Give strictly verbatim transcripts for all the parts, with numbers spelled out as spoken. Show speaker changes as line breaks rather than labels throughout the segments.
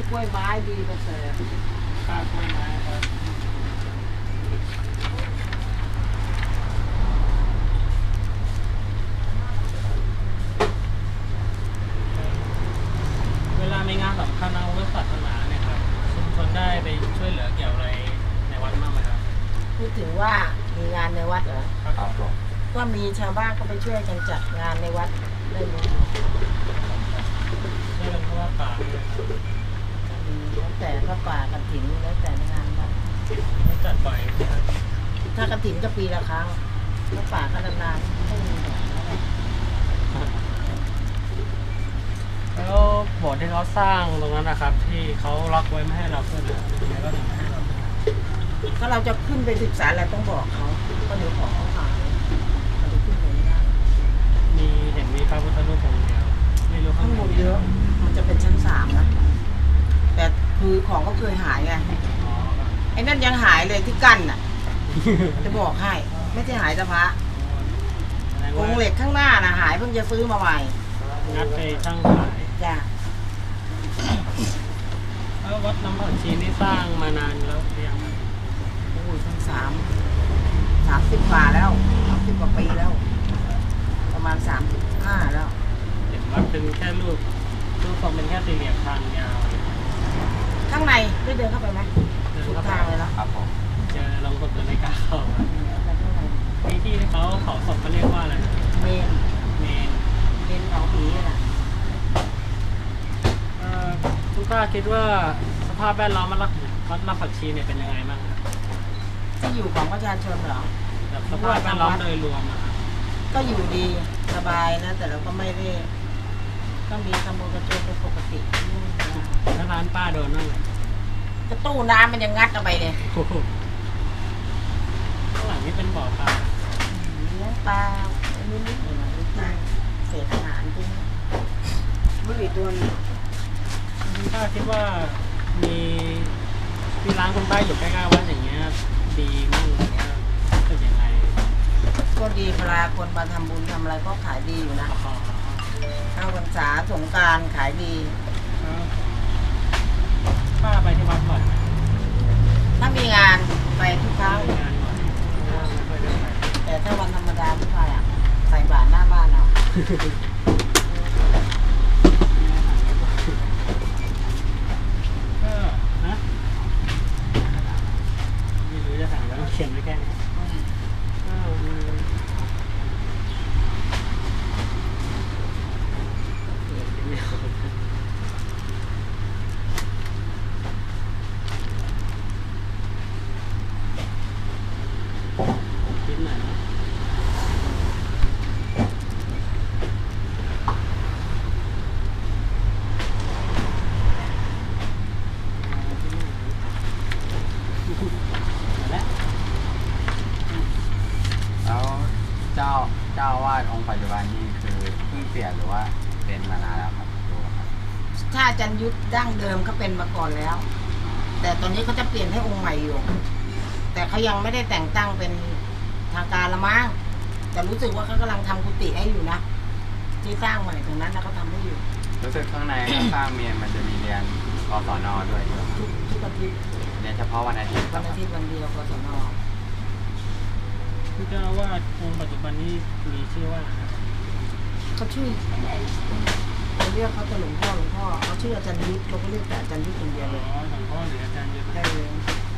กล้วยไม้ดีประเสริฐ
ข้าวกล้วยไม้ครับเวลามีงานสำคัญทางพุทธศาสนาเนี่ยครับชุมชนได้ไปช่วยเหลือเกี่ยวอะไรในวัดบ้างไหมครับ
พูดถึงว่ามีงานในวัดเหรอ
ครับผม
ก็มีชาวบ้านก็ไปช่วยกันจัดงานในวัดได้เลย
ช่วยกันเพราะว่าป่าเนี่ยครับ
มีแล้วแต่ก็ป่ากระถินแล้วแต่งานวัด
ต้องจัดบ่อยนะครับ
ถ้ากระถินก็ปีละครั้งถ้าป่าก็นานๆไม่มีแบบนั้น
แล้วโบสถ์ที่เขาสร้างตรงนั้นนะครับ ที่เขาล็อกไว้ไม่ให้เราขึ้นนะทำไมก็ถึงไม่ให้เราขึ้น
ถ้าเราจะขึ้นไปศึกษาอะไรต้องบอกเขาก็เดี๋ยวของเขาหายเราจะขึ้นไปไม่ได้
มีเห็นมีพระพุทธรูปองค์เดียวไม่รู้ข้า
ข้าง ง
ใน
บนเยอะ มันจะเป็นชั้นสามนะแต่คือของก็เคยหายไง
อ๋อครับ
ไอ้นั่นยังหายเลยที่กั้นน่ะ จะบอกให้ ไม่ใช่หายแต่พระ
แสดง
ก
ว่า
รงเหล็กข้างหน้าน่ะหายเพิ่งจะซื้อมาใหม่
งัดไปช่างขาย
จ้ะ
แล้ววัดน้ำผักชีนี่สร้างมานานแล้วหรือยังครับ
โอ้ยทั้งสามสามสิบกว่าแล้วสามสิบกว่าปีแล้ว ประมาณสามสิบห้าแล้ว
เห็นว่าเป็นแค่รูปรูปทรงเป็นแค่สี่เหลี่ยมทางยาว
ข้างในได้เดินเข้าไปไหม
เดิน
สุด
เข้าไป
ทางเลยเนาะ
ครับผม
เจอลงศพเลยไม่กล้าเข้าครับ
ไปข้างใน
ที่ที่เขาเผาศพเขาเรียกว่าอะไรนะ
เมน
เมน
เมนเผาผีน่ะ
เอ่อคุณป้าคิดว่าสภาพแวดล้อมมันรักวัดน้ำผักชีเนี่ยเป็นยังไงบ้างครับ
ที่อยู่ของประชาชนเหรอ
แบบสภาพแวดล้อมโดยรวมอะครับ
ก็อยู่ดีสบายนะ แต่เราก็ไม่ได้ก็มีขโมยกระโจนเป็นปกติ
แล้วร้านป้าโดนบ้างไหม
กระตู้น้ำมันยังงัดเอาไปเลย
โอ้โหข้างหลังนี่เป็นบ่อปลา
เลี้ยงปลาอันนี้นิดหน่อยๆปลาเศษอาหารจริงบุหรี่ตัวนี้
คุณป้าคิดว่ามีที่ร้านคุณป้าอยู่ใกล้ๆวัดอย่างเงี้ยดีมั้งหรือว่าเป็นยังไง
ก็ดีเวลาคนมาทำบุญทำอะไรก็ขายดีอยู่นะ
อ๋อ
เข้าพรรษาสงกรานต์ขายดี
แล้วป้าไปที่วัดบ่อยไหม
ถ้ามีงานไปทุกครั้ง
มีงานบ่อยไม่ค่อยได้ไป
แต่ถ้าวันธรรมดาไม่ไปอ่ะใส่บาตรหน้าบ้านเอา
ก็นะไม่รู้จะสั่งแล้วเขียนไว้แค่นี้ก็มีคิดหน่อยนะแล้ว
แล้วเจ้าเจ้าอาวาสองค์ปัจจุบันนี้คือเพิ่งเปลี่ยนหรือว่าเป็นมานานแล้วครับดูครับ
ถ้าอาจารย์ยุทธดั้งเดิมเขาเป็นมาก่อนแล้ว แต่ตอนนี้เขาจะเปลี่ยนให้องค์ใหม่อยู่ แต่เขายังไม่ได้แต่งตั้งเป็นทางการละมั้งแต่รู้สึกว่าเขากำลังทำกุฏิให้อยู่นะที่สร้างใหม่ตรงนั้นนะเขาทำให้อยู่
รู้สึกข้างใน ข้างเมียนมันจะมีเรียนกศนด้วยใช่ไหมครับ
ทุกทุกอาทิตย์
เรียนเฉพาะวันอาทิตย์ค
วั
รับ
นอาทิตย์วันเดียวกศน
ผู้เจ้าอาวาสองค์ปัจจุบันนี้มีชื่อว่าอะไรครับ
เขาชื่อเราเรียกเขาแต่หลวงพ่อหลวงพ่อเขาชื่ออาจารย์ยุทธเราก็เรียกแต่อาจารย์ยุทธคนเดียวเลย
อ๋อหลวงพ่อหรืออาจารย์ยุทธ
ได้เลย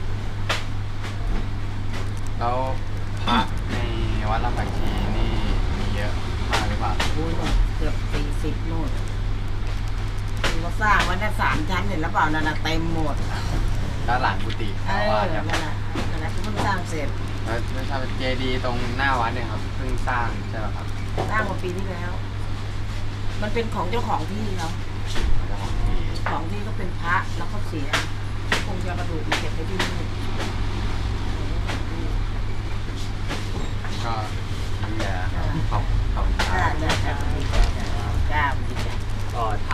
แล้วพระในวัดลำผักชีนี่มีเยอะมากหรือเปล่า
โอ้ยเกือบสี่สิบโน่นคือเขาสร้างไว้ได้สามชั้นเห็นแล้วเปล่านั่นน่ะเต็มหมด
แล้วหลังกุฏิ
เอ
เจ้า
อ
อาวาส
นั่
ครับ
นแหละนั่นแหละเพิ่งสร้างเสร็จ
แล้วไม่ทราบเจดีย์ตรงหน้าวัดเนี่ยครับเพิ่งสร้างใช่ไหมครับ
สร้างมาปีที่แล้ว มันเป็นของเจ้าของที่เขา
เจ้าของที่
ของที่ก็เป็นพระแล้วก็เสียคงจะกระดูกมาเก็บไว้ที่นี่
ก็นี่แหละครับขอบขอบคุณค
จ้า
รับ
จ้าจ้าจ้าจ้าจ้า
ก็ท